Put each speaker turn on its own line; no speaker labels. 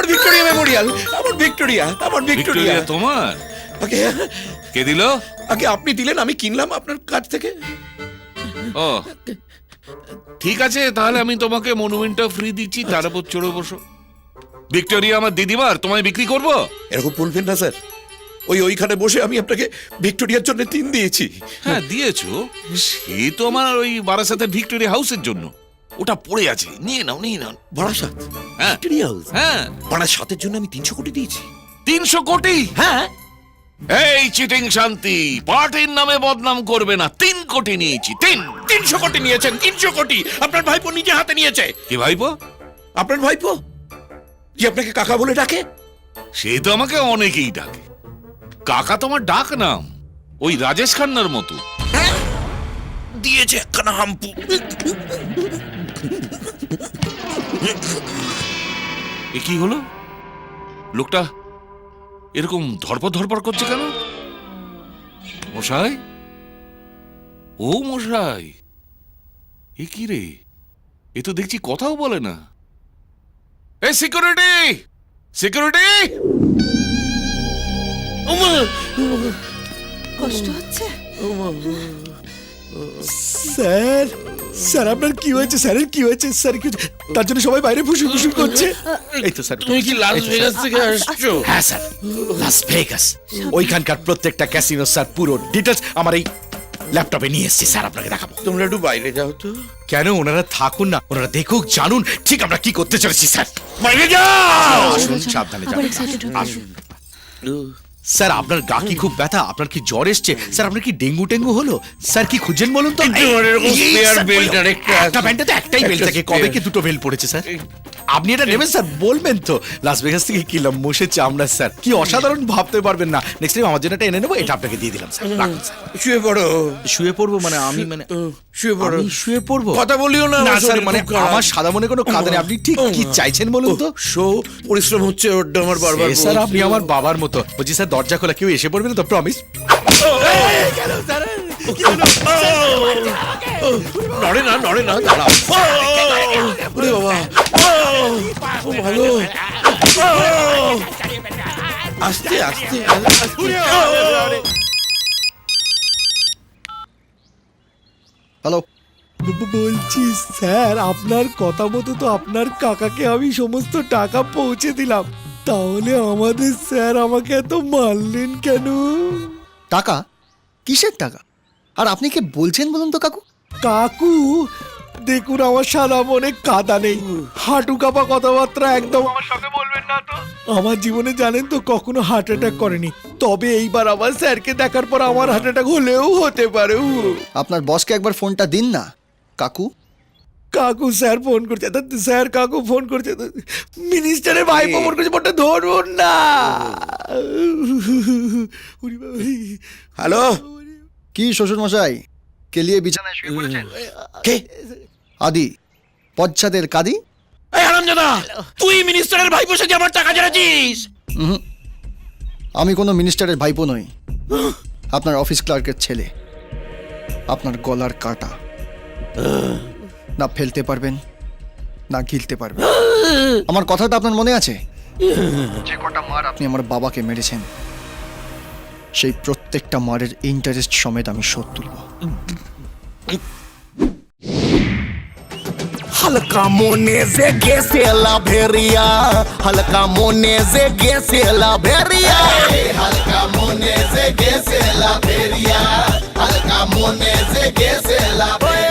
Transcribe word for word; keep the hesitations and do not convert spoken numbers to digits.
Victoria Memorial, আমার Victoria, আমার Victoria.
Victoria তোমার?
আগে
কে দিল?
আগে আপনি দিলেন, আমি কিনলাম আপনার কাছ থেকে।
ও ঠিক আছে, তাহলে আমি তোমাকে মনুমেন্টটা ফ্রি দিচ্ছি, তার উপর চড়ে বসো। ভিক্টোরিয়া আমার দিদিমার, তোমায় বিক্রি করবো?
এরকম বলবেন না স্যার, ওই ওইখানে বসে আমি আপনাকে ভিক্টোরিয়ার জন্য তিন দিয়েছি।
হ্যাঁ দিয়েছো, সে তো আমার ওই বারাসাতের ভিক্টোরিয়া হাউসের জন্য, ওটা পড়ে আছে, নিয়ে নাও নিয়ে নাও।
বারাসাত
হ্যাঁ
ভিক্টোরিয়া হাউস?
হ্যাঁ।
বারাসাতের জন্য আমি তিনশো কোটি দিয়েছি।
তিনশো কোটি?
হ্যাঁ।
এই চিটিং শান্তি, পার্টির নামে বদনাম করবে না। তিন কোটি নিয়েছি, তিন।
তিনশো কোটি নিয়েছেন? তিনশো কোটি আপনার ভাইপো নিজে হাতে নিয়েছে।
কি ভাইপো?
আপনার ভাইপো যে আপনাকে কাকা বলে ডাকে।
সে তো আমাকে অনেকেই ডাকে, কাকা তোমার ডাক নাম, ওই রাজেশ খান্নার মতো।
দিয়েছে একখানা হাম্পু।
এ কি হলো? লোকটা এরকম ধরপড় ধরপড় করছে কেন? মশাই, ও মশাই, এ কি রে? এ তো দেখছি কথাও বলে না। এই সিকিউরিটি, সিকিউরিটি!
কষ্ট হচ্ছে?
স্যার, স্যার আপনার কি হয়েছে? স্যারের কি হয়েছে? স্যার কি হয়েছে? তার জন্য সবাই বাইরে ফুসুর ফুসুর করছে। এই তো স্যার।
তুমি কি লাস ভেগাস থেকে আসছো?
হ্যাঁ স্যার, লাস ভেগাস। ওইখানকার প্রত্যেকটা ক্যাসিনো স্যার পুরো ডিটেলস আমার এই ল্যাপটপে নিয়ে এসেছি স্যার, আপনাকে দেখাবো।
তোমরা একটু বাইরে যাও তো।
কেন? ওনারা থাকুন না, ওনারা দেখুক, জানুন ঠিক আমরা কি করতে চলেছি স্যার।
বাইরে যাও।
আসুন, সাবধানে
আবার
যাবেন।
excited হয়ে
আসুন। স্যার আপনার গা কি খুব ব্যথা? আপনার কি জ্বর এসছে? স্যার আপনার কি ডেঙ্গু টেঙ্গু হলো? স্যার কি খুঁজছেন বলুন তো?
কিন্তু আমার এরকম
এই,
spare
স্যার,
belt আর একটা আছে।
একটা ব্যান্ডে তো একটাই বেল্ট
একটা
থাকে, কবে
spare।
কি দুটো বেল্ট পড়েছে স্যার? আপনি এটা নেবেন স্যার? বলবেন তো লাস ভেগাস থেকে কিনলাম মোষের চামড়া স্যার, কি অসাধারণ, ভাবতে পারবেন না। নেক্সট টাইম আমার জন্য এটা এনে নেবো, এটা আপনাকে দিয়ে দিলাম স্যার। রাখুন স্যার।
শুয়ে পড়ো।
শুয়ে পড়বো মানে আমি মানে
শুয়ে পড়ো।
আমি শুয়ে পড়বো?
কথা বলিও না।
না
আমার
স্যার,
শরীর
মানে
খুব খারাপ।
আমার সাদা মনে কোনো কাজ নেই। আপনি ঠিক কি চাইছেন বলুন তো?
শো পরিশ্রম হচ্ছে ওর আমার বারবার।
এ স্যার আপনি আমার বাবার মতো। বলছি স্যার দরজা খোলা, কেউ এসে পড়বে না তো? প্রমিস।
নড়ে না, নড়ে না, দাঁড়াও। ওরে বাবা, ও ভালো। আস্তে আস্তে
হ্যালো, বলছি স্যার আপনার কথা মতো তো আপনার কাকাকে আমি সমস্ত টাকা পৌঁছে দিলাম, তাহলে আমাদের স্যার আমাকে এত মারলেন কেন?
টাকা? কিসের টাকা? আর আপনি কি বলছেন বলুন তো কাকু?
কাকু দেখুন, আমার সাদা মনে কাদা নেই, হাঁটু কাপা কথাবার্তা একদম আমার সঙ্গে বলবেন না তো। আমার জীবনে জানেন তো কখনো হার্ট অ্যাটাক করেনি, তবে এইবার আমার স্যারকে দেখার পর আমার হার্ট অ্যাটাক হলেও হতে পারে।
আপনার বসকে একবার ফোনটা দিন না কাকু।
কাকু স্যার ফোন করছে, স্যার কাকু ফোন করছে, মিনিস্টারের ভাই ফোন করছে, ফোনটা ধরুন না।
হ্যালো,
কি শ্বশুর মশাই কেলিয়ে বিছানায় শুয়ে পড়েছেন?
কে?
আদি পশ্চাদের কাদি।
এই হারামজাদা, তুই মিনিস্টারের ভাই বসে যে আমার টাকা জেনেছিস?
উহুম, আমি কোনো মিনিস্টারের ভাইপো নই, আপনার অফিস ক্লার্কের ছেলে। আপনার গলার কাটা না ফেলতে পারবেন না গিলতে পারবেন। আমার কথাটা আপনার মনে আছে? যে কটা মার আপনি আমার বাবাকে মেরেছেন, সেই প্রত্যেকটা মারের ইন্টারেস্ট সমেত আমি শোধ তুলব।
হালকা মনে যে গেছে লাভেরিয়া, হালকা মনে যে গেছে লাভেরিয়া, হালকা মনে যে গেছে লাভেরিয়া, হালকা মনে যে গেছে লাভেরিয়া।